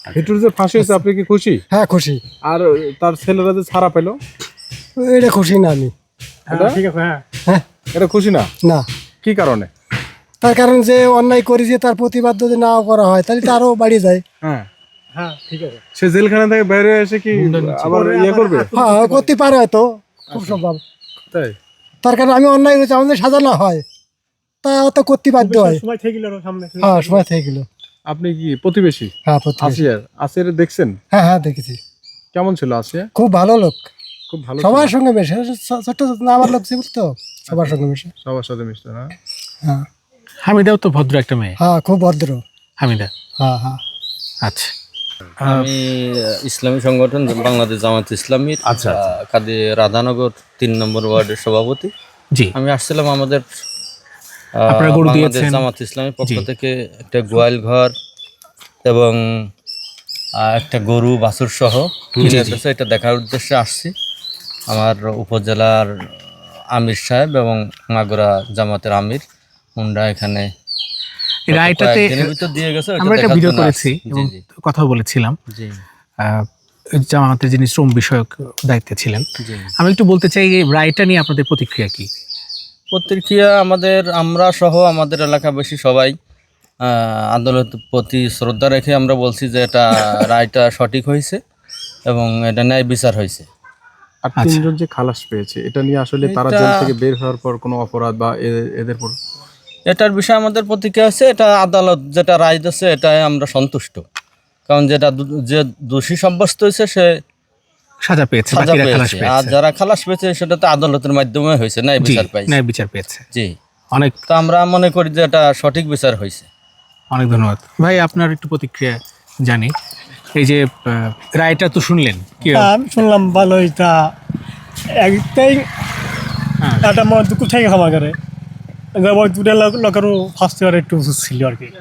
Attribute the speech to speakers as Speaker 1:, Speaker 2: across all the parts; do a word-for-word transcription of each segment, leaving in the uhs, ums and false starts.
Speaker 1: হিটুর যে ফাঁসি হয়েছে আপনি কি খুশি?
Speaker 2: হ্যাঁ খুশি।
Speaker 1: আর তার ছেলেরা যে ছাড়া পেলো
Speaker 2: এটা খুশি না আমি।
Speaker 1: এটা
Speaker 2: ঠিক আছে। হ্যাঁ হ্যাঁ
Speaker 1: এটা খুশি না।
Speaker 2: না,
Speaker 1: কি কারণে?
Speaker 2: তার কারণ যে অন্যায় করেছে তার প্রতিবাদ যদি নাও করা হয় তাহলে তো আরো বাড়িয়ে যায়।
Speaker 1: হ্যাঁ
Speaker 2: হ্যাঁ ঠিক আছে।
Speaker 1: সে জেলখানা থেকে বাইরে এসে কি আবার ইয়ে করবে?
Speaker 2: হ্যাঁ করতে পারে হয়তো, খুব সম্ভব।
Speaker 1: তাই
Speaker 2: তার কারণ আমি অন্যায় করেছি, আমাদের সাজা না হয় তা তো করতে বাধ্য হয়।
Speaker 3: সময় থেকে গেল সামনে।
Speaker 2: হ্যাঁ সময় থেকে গেল।
Speaker 1: আপনি কি প্রতিবেশী?
Speaker 2: হ্যাঁ প্রতিবেশী।
Speaker 1: আসিয়ার আসিয়ার দেখছেন?
Speaker 2: হ্যাঁ হ্যাঁ দেখেছি।
Speaker 1: কেমন ছিল আসিয়া?
Speaker 2: খুব ভালো লোক,
Speaker 1: খুব ভালো
Speaker 2: সবার সঙ্গে মেশে, ছোট ছোট না আমার লোক ছিল তো সবার সঙ্গে মেশে।
Speaker 1: সবার সাথে মিশতে না।
Speaker 2: হ্যাঁ
Speaker 4: হামিদাও তো ভদ্র একটা মেয়ে।
Speaker 2: হ্যাঁ খুব ভদ্র
Speaker 4: হামিদা।
Speaker 2: হ্যাঁ হ্যাঁ।
Speaker 4: আচ্ছা,
Speaker 5: আমি ইসলামী সংগঠন বাংলাদেশ জামাত ইসলামীর
Speaker 4: আচ্ছা
Speaker 5: কাদি রাধানগর তিন নম্বর ওয়ার্ডের সভাপতি।
Speaker 4: জি,
Speaker 5: আমি আসছিলাম আমাদের আহ,
Speaker 4: আপনারা গরু
Speaker 5: বাংলাদেশ
Speaker 4: দিয়েছেন।
Speaker 5: জামাত ইসলামীর পক্ষ
Speaker 4: জি।
Speaker 5: থেকে একটা গোয়াল ঘর এবং আহ, একটা গরু বাছুর সহ কিনে এসেছে, এটা দেখার উদ্দেশ্যে আসছি। আমার উপজেলার আমির সাহেব এবং মাগুরা জামাতের আমির হুন্ডা এখানে
Speaker 4: এই রায়টাতে
Speaker 5: কয়েকদিনের ভিতর দিয়ে গেছে, ওটা
Speaker 4: আমরা একটা
Speaker 5: দেখার
Speaker 4: ভিডিও
Speaker 5: জন্য
Speaker 4: করেছি
Speaker 5: আসছি।
Speaker 4: এবং
Speaker 5: জি জি
Speaker 4: কথাও বলেছিলাম।
Speaker 5: জি
Speaker 4: আহ, জামাতের যিনি শ্রম বিষয়ক দায়িত্বে ছিলেন।
Speaker 5: জি
Speaker 4: আমি একটু বলতে চাই এই রায়টা নিয়ে আপনাদের প্রতিক্রিয়া কি?
Speaker 5: প্রতিক্রিয়া আমাদের আমরা সহ আমাদের এলাকাবাসী সবাই আহ, আদালতের প্রতি শ্রদ্ধা রেখে আমরা বলছি যে এটা রায়টা সঠিক হয়েছে এবং এটা ন্যায় বিচার হয়েছে।
Speaker 1: আর তিনজন যে খালাস পেয়েছে এটা নিয়ে আসলে তারা
Speaker 5: এটা-
Speaker 1: জেল থেকে বের হওয়ার পর কোনো অপরাধ বা এ- এদের পর
Speaker 5: এটার বিষয়ে আমাদের প্রতিক্রিয়া আছে, এটা আদালত যেটা রায় দিচ্ছে এটাই আমরা সন্তুষ্ট। কারণ যেটা দু- যে দোষী সাব্যস্ত হয়েছে সে
Speaker 4: সাজা পেয়েছে,
Speaker 5: সাজা
Speaker 4: বাকিরা খালাস
Speaker 5: পেয়েছে, আর
Speaker 4: পেয়েছে।
Speaker 5: যারা খালাস পেয়েছে সেটা তো আদালতের মাধ্যমে হয়েছে, ন্যায়
Speaker 4: জি,
Speaker 5: বিচার পাইছে।
Speaker 4: ন্যায় বিচার পেয়েছে।
Speaker 5: জি,
Speaker 4: অনেক
Speaker 5: তো আমরা মনে করি যে এটা সঠিক বিচার হয়েছে।
Speaker 4: অনেক ধন্যবাদ ভাই, আপনার একটু প্রতিক্রিয়া জানি। এই যে আহ, রায়টা তো শুনলেন কি?
Speaker 3: হ্যাঁ, আমি শুনলাম ভালোই। তা একটাই
Speaker 4: হ্যাঁ।
Speaker 3: একটা মনে দুঃখ থেকে ক্ষমা করে ওই দুটা লোক- লোকেরও ফার্স্ট ইয়ার একটু উচিত ছিল আর কি।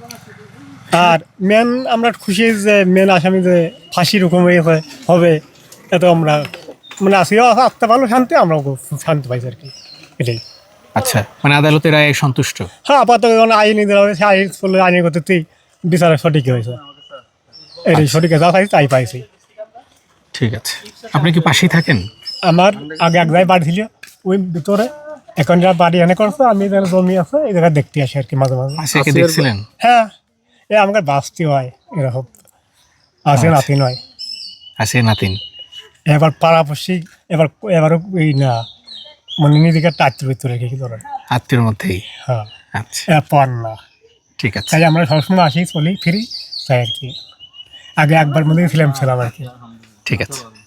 Speaker 3: আর মেন আমরা খুশি যে মেন আসামি যে ফাঁসি রকম হয়ে হবে, এত আমরা মানে আসিও আসতে পারলো শান্তি, আমরাও খুব শান্তি পাইছি আর কি, এটাই।
Speaker 4: আচ্ছা, মানে আদালতের রায়ে সন্তুষ্ট।
Speaker 3: হ্যাঁ আপাতত যখন আইনি দেওয়া হয়েছে, আইন করলে আইনের করতেই বিচারের সঠিক হয়েছে, এটাই সঠিক যা পাইছি তাই পাইছি।
Speaker 4: ঠিক আছে, আপনি কি পাশেই থাকেন?
Speaker 3: আমার আগে এক জায়গায় বাড়ি ছিল ওই ভিতরে, এখন যা বাড়ি এনে করছে, আমি এখানে জমি আছে এই জায়গায় দেখতে আসি আর কি মাঝে মাঝে।
Speaker 4: পাশে দেখছিলেন?
Speaker 3: হ্যাঁ, এ আমাকে বাঁচতে হয় এরকম, আছে নাতি নয়।
Speaker 4: আছে নাতিন।
Speaker 3: এবার পাড়াপড়শি এবার এবার এই না মানে নিজেকে টাচের ভিতরে রেখে ধরেন।
Speaker 4: আত্মীয়র মধ্যেই।
Speaker 3: হ্যাঁ,
Speaker 4: আচ্ছা,
Speaker 3: এরপর না,
Speaker 4: ঠিক আছে।
Speaker 3: তাই আমরা সবসময় আসি চলি ফিরি তাই আর কি। আগে একবার মধ্যে ছিলাম ছিলাম আর কি।
Speaker 4: ঠিক আছে।